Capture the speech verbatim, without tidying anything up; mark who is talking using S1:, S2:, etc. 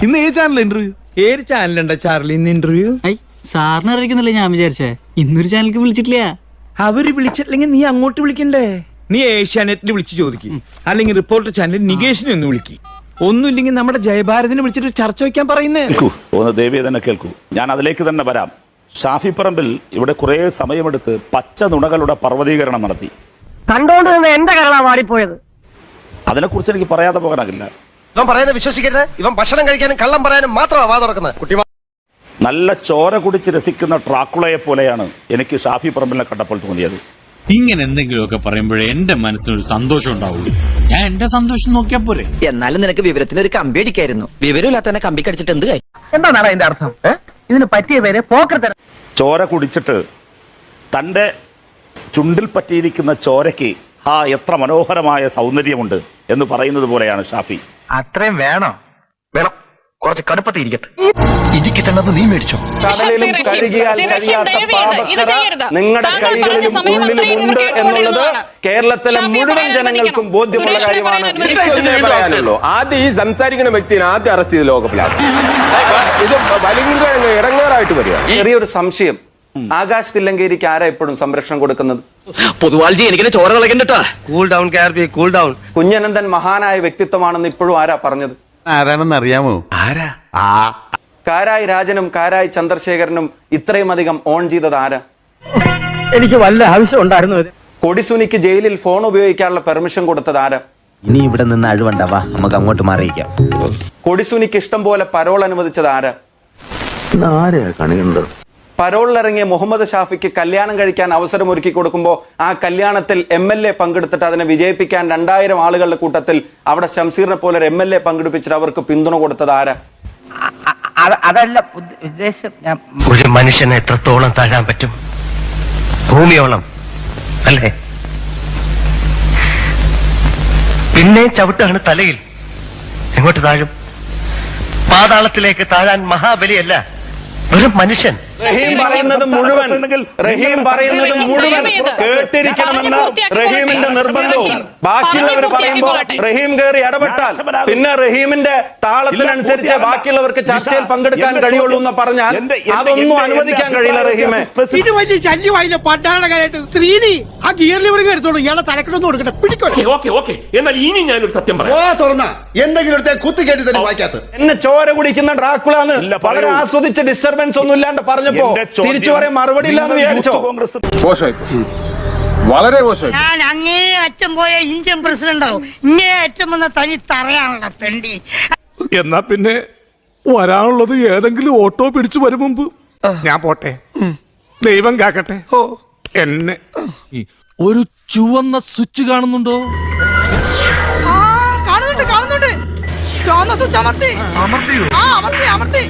S1: ഇന്ന് ഏത് channel interview?
S2: ഏത് ചാനലുണ്ടോ ചാർലി ഇന്ന് ഇന്റർവ്യൂ?
S3: ഐ സാറിന് അറിയിക്കുന്നില്ല ഞാൻ വിചാരിച്ചേ ഇന്നൊരു ചാനലിക്ക് വിളിച്ചിട്ടില്ല.
S2: അവര് വിളിച്ചിട്ടില്ലെങ്കിൽ നീ അങ്ങോട്ട് വിളിക്കണ്ടേ? നീ ഏഷ്യാനെറ്റിൽ വിളിച്ച് ചോദിക്കും, അല്ലെങ്കിൽ റിപ്പോർട്ടർ ചാനലിൽ നികേഷിനെ ഒന്ന് വിളിക്കും. ഒന്നുമില്ലെങ്കിൽ നമ്മുടെ ജയഭാരതിനെ വിളിച്ചിട്ട് ചർച്ച വെക്കാൻ പറയുന്നേ.
S4: കേൾക്കൂ, ഒന്ന് ദേവിയെ തന്നെ കേൾക്കൂ. ഞാൻ അതിലേക്ക് തന്നെ വരാം. ഷാഫി പറമ്പിൽ ഇവിടെ കുറെ സമയമെടുത്ത് പച്ച നുണകളുടെ പർവ്വതീകരണം നടത്തി.
S5: കണ്ടോണ്ട് നിന്ന് എന്റെ കരളാ വാടിപ്പോയത്.
S4: അതിനെക്കുറിച്ച് എനിക്ക് പറയാതെ പോകാനാകില്ല.
S6: ഇവൻ പറയുന്നത് വിശ്വസിക്കരുത്. ഇവൻ ഭക്ഷണം കഴിക്കാനും കള്ളം പറയാനും മാത്രമാണ് വാ തുറക്കുന്നത്. കുട്ടി
S4: നല്ല ചോര കുടിച്ച് രസിക്കുന്ന ട്രാക്കുളയെ പോലെയാണ് എനിക്ക് ഷാഫി പറമ്പിലിനെ കണ്ടപ്പോൾ തോന്നിയത്.
S7: ഇങ്ങനെ എന്തെങ്കിലുമൊക്കെ പറയുമ്പോഴേ എന്റെ മനസ്സിനൊരു സന്തോഷം ഉണ്ടാവുള്ളൂ. ഞാൻ എന്റെ സന്തോഷം നോക്കിയാ പോരെ.
S8: എന്നാലും നിനക്ക് വിവരത്തിന് ഒരു കമ്പി അടിക്കായിരുന്നു. വിവരമില്ലാത്തവനെ കമ്പി കടിച്ചിട്ട് എന്ത് കാര്യം?
S5: എന്താണ് അതിന്റെ അർത്ഥം? ഇതിന് പറ്റിയ പേര് പോക്കർ.
S4: ചോര കുടിച്ചിട്ട് തൻ്റെ ചുണ്ടിൽ പറ്റിയിരിക്കുന്ന ചോരയ്ക്ക് ആ എത്ര മനോഹരമായ സൗന്ദര്യമുണ്ട് എന്ന് പറയുന്നത് പോലെയാണ് ഷാഫി.
S6: അത്രയും വേണോ? വേണം, കുറച്ച് കടുപ്പത്തിൽ ഇരിക്കട്ടെ.
S9: ഇത് കിട്ടുന്നത് നീ മേടിച്ചോ. കടലിലും കഴുകിയാൽ കഴിയാത്ത പാപക്കറ നിങ്ങളുടെ കൈകളിലും ഉള്ളിലുമുണ്ട് എന്നുള്ളത് കേരളത്തിലെ മുഴുവൻ ജനങ്ങൾക്കും ബോധ്യമുള്ള കാര്യമാണ്.
S10: പറയാനുള്ളൂ. ആദ്യം ഈ സംസാരിക്കുന്ന വ്യക്തിനെ ആദ്യം അറസ്റ്റ് ചെയ്ത് ലോകപ്പിലാണ്. ഇത് ഭയങ്കര ഇടങ്ങേറായിട്ട് വരിക.
S9: ചെറിയൊരു സംശയം, ആകാശ് തില്ലങ്കേരിക്ക് ആരാ എപ്പോഴും സംരക്ഷണം കൊടുക്കുന്നത്?
S8: പൊതുവാൾജി എനിക്ക് ചോര കളകണ്ടട്ടാ.
S6: Cool down K R P, cool down.
S9: Kunhanandan മഹാനായ വ്യക്തിത്വമാണെന്ന് ഇപ്പോഴും ആരാ പറഞ്ഞത്?
S1: ആരാണെന്ന് അറിയാമോ? ആരാ? ആ
S9: കാരായി രാജനും കാരായി ചന്ദ്രശേഖരനും ഇത്രയും അധികം ഓൺ ചെയ്തത് ആരാ?
S5: എനിക്ക് വല്ല ആവശ്യം ഉണ്ടായിരുന്നു.
S9: കൊടിസുനിക്ക് ജയിലിൽ ഫോൺ ഉപയോഗിക്കാനുള്ള പെർമിഷൻ കൊടുത്തത് ആരാ?
S8: ഇനി ഇവിടെ നിന്ന് അഴിവണ്ടാവാ, നമുക്ക് അങ്ങോട്ട് മാറിയിക്കാം.
S9: കൊടിസുനിക്ക് ഇഷ്ടം പോലെ പരോൾ അനുവദിച്ചത് ആരാ? പരോളിലിറങ്ങിയ മുഹമ്മദ് ഷാഫിക്ക് കല്യാണം കഴിക്കാൻ അവസരം ഒരുക്കി കൊടുക്കുമ്പോൾ ആ കല്യാണത്തിൽ എം എൽ എ പങ്കെടുത്തിട്ട് അതിനെ വിജയിപ്പിക്കാൻ രണ്ടായിരം ആളുകളുടെ കൂട്ടത്തിൽ അവിടെ ശംസീറിനെ പോലെ ഒരു എം എൽ എ പങ്കെടുപ്പിച്ചിട്ട് അവർക്ക് പിന്തുണ കൊടുത്തത് ആരാ?
S5: അതല്ല ഉദ്ദേശം.
S6: ഒരു മനുഷ്യനെ എത്രത്തോളം താഴാൻ പറ്റും? ഭൂമിയോളം അല്ലേ? പിന്നെ ചവിട്ടാണ് തലയിൽ. എങ്ങോട്ട് താഴും? പാതാളത്തിലേക്ക് താഴാൻ മഹാബലിയല്ല, ഒരു മനുഷ്യൻ.
S9: റഹീം പറയുന്നത് മുഴുവൻ റഹീം പറയുന്നത് മുഴുവൻ കേട്ടിരിക്കണമെന്ന റഹീമിന്റെ നിർബന്ധവും ബാക്കിയുള്ളവർ പറയുമ്പോൾ റഹീം കയറി ഇടപെട്ടാൽ പിന്നെ റഹീമിന്റെ താളത്തിനനുസരിച്ച് ബാക്കിയുള്ളവർക്ക് ചർച്ചയിൽ പങ്കെടുക്കാൻ കഴിയുള്ളൂ എന്ന് പറഞ്ഞാൽ അതൊന്നും അനുവദിക്കാൻ കഴിയില്ല റഹീമെ.
S3: ഇത് വലിയ ശല്യമായില്ല പണ്ടാണകാലായിട്ട്. ശ്രീനി ആ ഗിയർ ലിവർ എടുത്തോളൂ, ഇയാളെ തലക്കെട്ടൊന്നും കൊടുക്കട്ടെ. പിടിക്കോ.
S10: എന്നാൽ ഇനി ഞാനൊരു സത്യം പറയാം. എന്തെങ്കിലും കുത്തി കേട്ടി തന്നെ വായിക്കാത്ത
S9: എന്നെ ചോര കുടിക്കുന്ന ഡ്രാക്കുളാന്ന് വളരെ ആസ്വദിച്ച ഡിസ്റ്റർബൻസ് ഒന്നും ഇല്ലാണ്ട് പറഞ്ഞപ്പോ തിരിച്ചു പറയാൻ മറുപടി ഇല്ലാന്ന് വിചാരിച്ചോ?
S10: വളരെ മോശമായി.
S5: ഞാൻ അങ്ങേ അച്ഛൻ പോയ ഇന്ത്യൻ പ്രസിഡന്റ് ആവും. ഇങ്ങേ അച്ഛൻ വന്ന തനി തറയാണല്ലോ തെണ്ടി.
S1: എന്നാ പിന്നെ വരാനുള്ളത് ഏതെങ്കിലും ഓട്ടോ പിടിച്ചു വരും മുമ്പ് ഞാൻ പോട്ടെ. ദൈവം കാക്കട്ടെ എന്നെ. ഒരു ചുവന്ന സ്വിച്ച് കാണുന്നുണ്ടോ?
S3: കാണുന്നുണ്ട് കാണുന്നുണ്ട്. ചുവന്ന സ്വിച്ച് അമർത്തി. അമർത്തിയോ? ആ അമർത്തി അമർത്തി.